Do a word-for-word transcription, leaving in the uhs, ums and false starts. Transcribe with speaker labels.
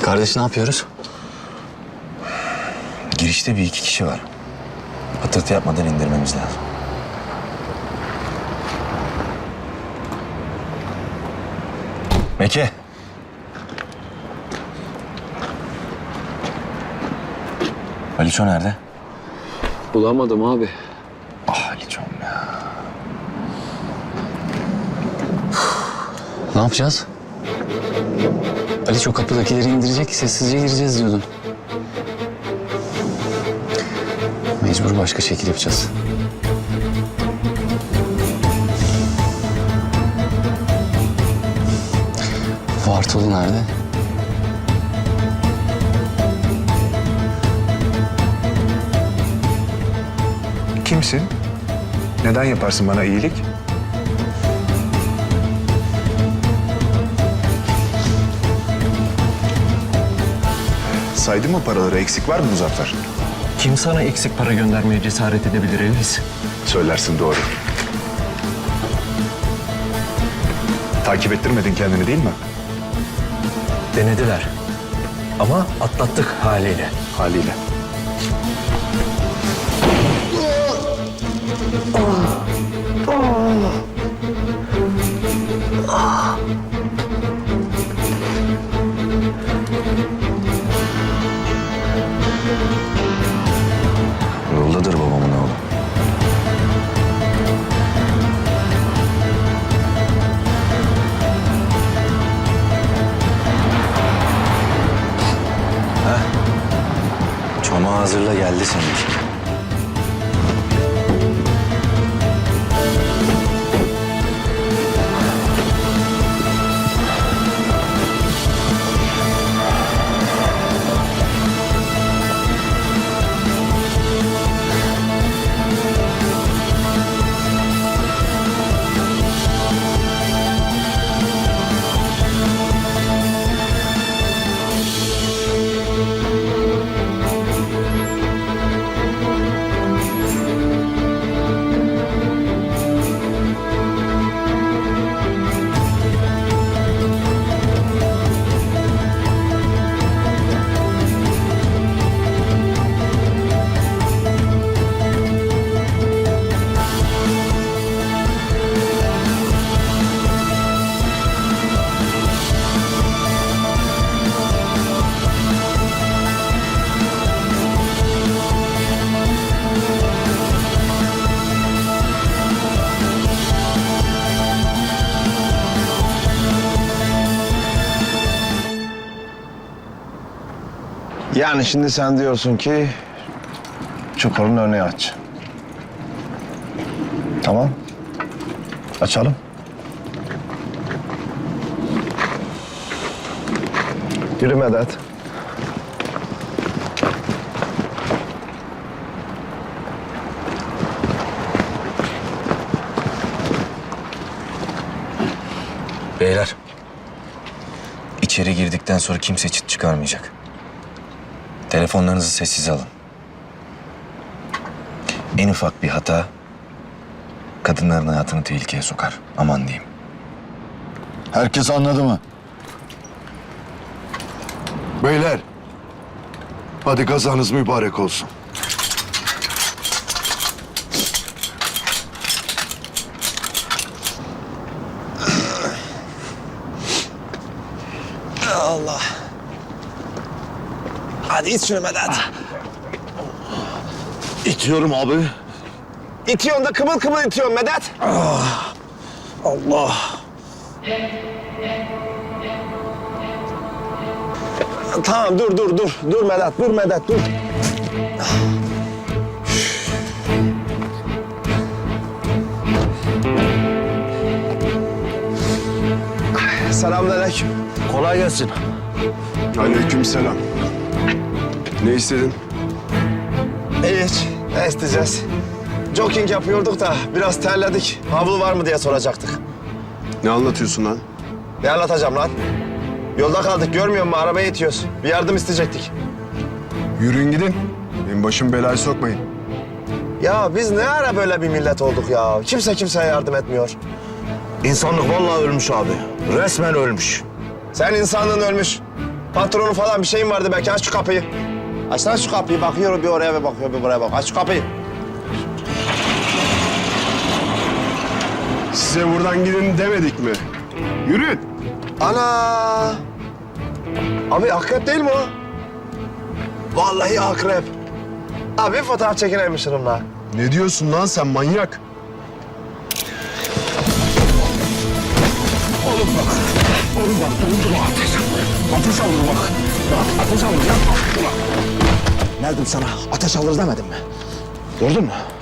Speaker 1: Kardeş ne yapıyoruz?
Speaker 2: Girişte bir iki kişi var. Patırtı yapmadan indirmemiz lazım. Meke. Aliço nerede?
Speaker 1: Bulamadım abi.
Speaker 2: Ah Aliço'm ya.
Speaker 1: Ne yapacağız? Ali çok kapıdakileri indirecek, sessizce gireceğiz diyordun. Mecbur başka şekil yapacağız. Vartolu nerede?
Speaker 3: Kimsin? Neden yaparsın bana iyilik? Saydın mı paraları? Eksik var mı Muzaffer?
Speaker 4: Kim sana eksik para göndermeye cesaret edebilir Elvis?
Speaker 3: Söylersin doğru. Takip ettirmedin kendini değil mi?
Speaker 4: Denediler. Ama atlattık haliyle.
Speaker 3: Haliyle.
Speaker 2: Yoldadır babamın oğlu. Heh. Çomağı hazırla geldi seninki.
Speaker 5: Yani şimdi sen diyorsun ki çukurun önünü aç. Tamam. Açalım. Yürü Medet.
Speaker 2: Beyler. İçeri girdikten sonra kimse çıt çıkarmayacak. Telefonlarınızı sessize alın. En ufak bir hata kadınların hayatını tehlikeye sokar. Aman diyeyim.
Speaker 6: Herkes anladı mı? Beyler, hadi kazanız mübarek olsun.
Speaker 5: Allah. Hadi it şunu Medet.
Speaker 6: İtiyorum abi.
Speaker 5: İtiyorsun da kımıl kımıl itiyorsun Medet. Allah. Tamam dur dur dur. Dur Medet dur Medet dur. Selamünaleyküm.
Speaker 6: Kolay gelsin.
Speaker 3: Aleykümselam. Ne istedin?
Speaker 5: Hiç. Ne isteyeceğiz? Jogging yapıyorduk da biraz terledik. Havlu var mı diye soracaktık.
Speaker 3: Ne anlatıyorsun lan?
Speaker 5: Ne anlatacağım lan? Yolda kaldık görmüyor musun? Arabaya itiyoruz. Bir yardım isteyecektik.
Speaker 3: Yürüyün gidin. Benim başım belaya sokmayın.
Speaker 5: Ya biz ne ara böyle bir millet olduk ya? Kimse kimseye yardım etmiyor.
Speaker 6: İnsanlık vallahi ölmüş abi. Resmen ölmüş.
Speaker 5: Sen insanlığın ölmüş. Patronu falan bir şeyin vardı belki. Aç şu kapıyı. Açsana şu kapıyı. Bakıyorum bir oraya bir bakıyor bir buraya bak. Aç şu kapıyı.
Speaker 3: Size buradan gidin demedik mi? Yürüyün.
Speaker 5: Ana! Abi akrep değil mi o? Vallahi akrep. Abi bir fotoğraf çekinelim şununla.
Speaker 3: Ne diyorsun lan sen manyak?
Speaker 5: Nerede sana? Ateş alır demedim mi? Gördün mü?